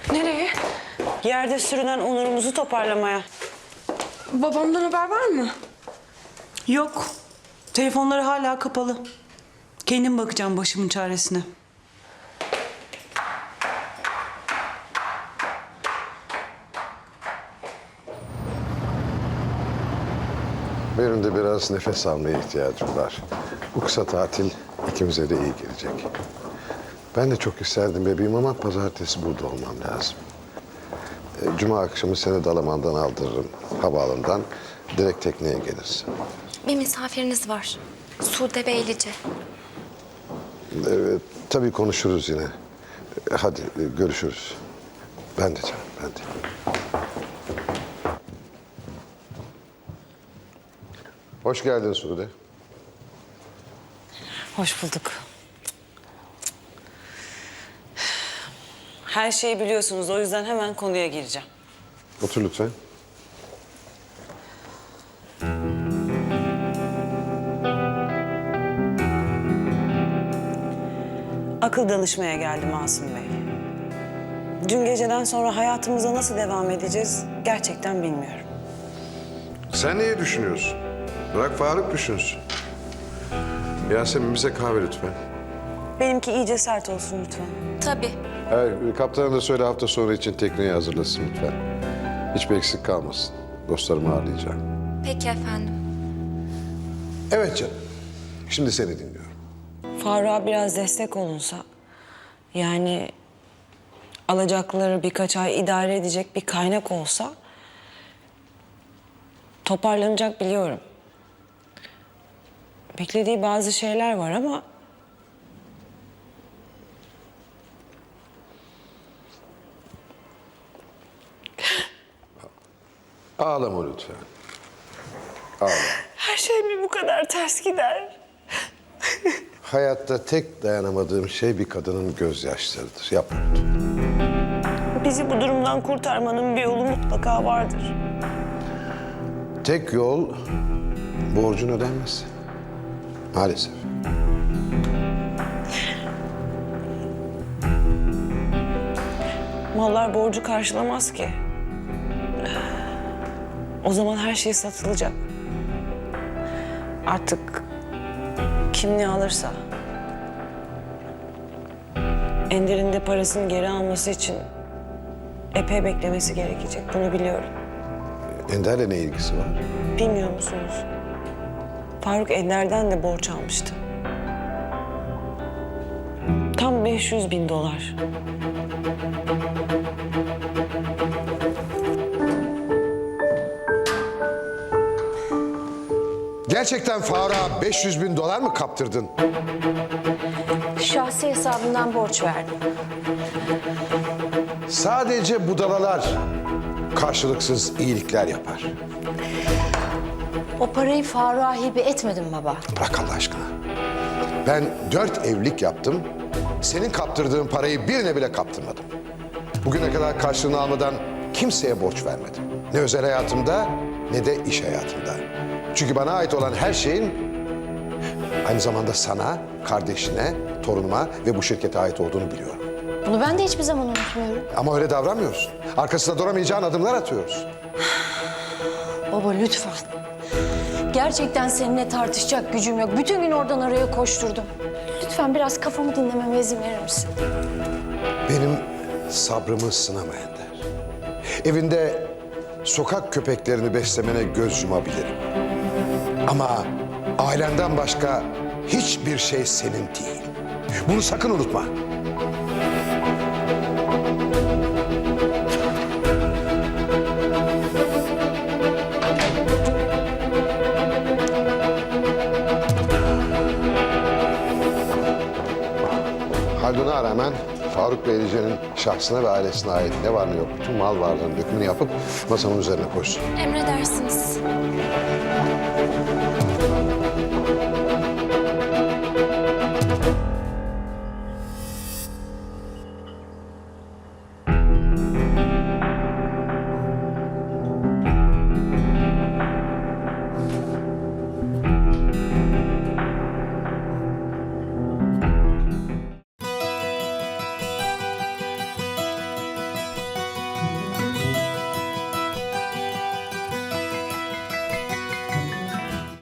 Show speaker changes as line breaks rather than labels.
Nereye?
Yerde sürünen onurumuzu toparlamaya.
Babamdan haber var mı?
Yok. Telefonları hala kapalı. Kendim bakacağım başımın çaresine.
Benim de biraz nefes almaya ihtiyacım var. Bu kısa tatil ikimize de iyi gelecek. Ben de çok isterdim bebeğim ama pazartesi burada olmam lazım. Cuma akşamı seni Dalaman'dan aldırırım, havaalanından. Direkt tekneye gelirsin.
Bir misafiriniz var. Sude Beylice.
Evet, tabii konuşuruz yine. Hadi görüşürüz. Ben de canım, ben de. Hoş geldin Sude.
Hoş bulduk. Her şeyi biliyorsunuz. O yüzden hemen konuya gireceğim.
Otur lütfen.
Akıl danışmaya geldim Asım Bey. Dün geceden sonra hayatımıza nasıl devam edeceğiz gerçekten bilmiyorum.
Sen neyi düşünüyorsun? Bırak Faruk düşünsün. Yasemin bize kahve lütfen.
Benimki iyice sert olsun lütfen.
Tabii.
Evet, kaptana da söyle hafta sonu için tekneyi hazırlasın lütfen. Hiçbir eksik kalmasın. Dostlarımı ağırlayacağım.
Peki efendim.
Evet canım. Şimdi seni dinliyorum.
Faruk'a biraz destek olunsa... yani alacakları birkaç ay idare edecek bir kaynak olsa... toparlanacak biliyorum. Beklediği bazı şeyler var ama...
Ağlama lütfen. Ağlama.
her şey mi bu kadar ters gider?
Hayatta tek dayanamadığım şey bir kadının gözyaşlarıdır. Yapma lütfen.
Bizi bu durumdan kurtarmanın bir yolu mutlaka vardır.
Tek yol borcun ödenmesi. Maalesef.
Mallar borcu karşılamaz ki. O zaman her şey satılacak. Artık kim ne alırsa. Ender'in de parasını geri alması için epey beklemesi gerekecek. Bunu biliyorum.
Ender'le ne ilgisi var?
Bilmiyor musunuz? Faruk Ender'den de borç almıştı. Tam 500.000 dolar.
Gerçekten Faruk'a 500.000 dolar mı kaptırdın?
Şahsi hesabından borç verdim.
Sadece budalalar karşılıksız iyilikler yapar.
O parayı Faruk'a hibe etmedim baba.
Bırak Allah aşkına. Ben 4 evlilik yaptım. Senin kaptırdığın parayı birine bile kaptırmadım. Bugüne kadar karşılığını almadan kimseye borç vermedim. Ne özel hayatımda ne de iş hayatımda. Çünkü bana ait olan her şeyin aynı zamanda sana, kardeşine, torunuma ve bu şirkete ait olduğunu biliyorum.
Bunu ben de hiçbir zaman unutmuyorum.
Ama öyle davranmıyorsun. Arkasında duramayacağın adımlar atıyoruz.
Baba lütfen. Gerçekten seninle tartışacak gücüm yok. Bütün gün oradan oraya koşturdum. Lütfen biraz kafamı dinlememe izin verir misin?
Benim sabrımı sınama Ender. Evinde sokak köpeklerini beslemene göz yumabilirim. Ama ailenden başka hiçbir şey senin değil. Bunu sakın unutma. Haldun'a rağmen Faruk Beylice'nin şahsına ve ailesine ait ne var ne yok bütün mal varlığının dökümünü yapıp masamın üzerine koysun.
Emredersiniz.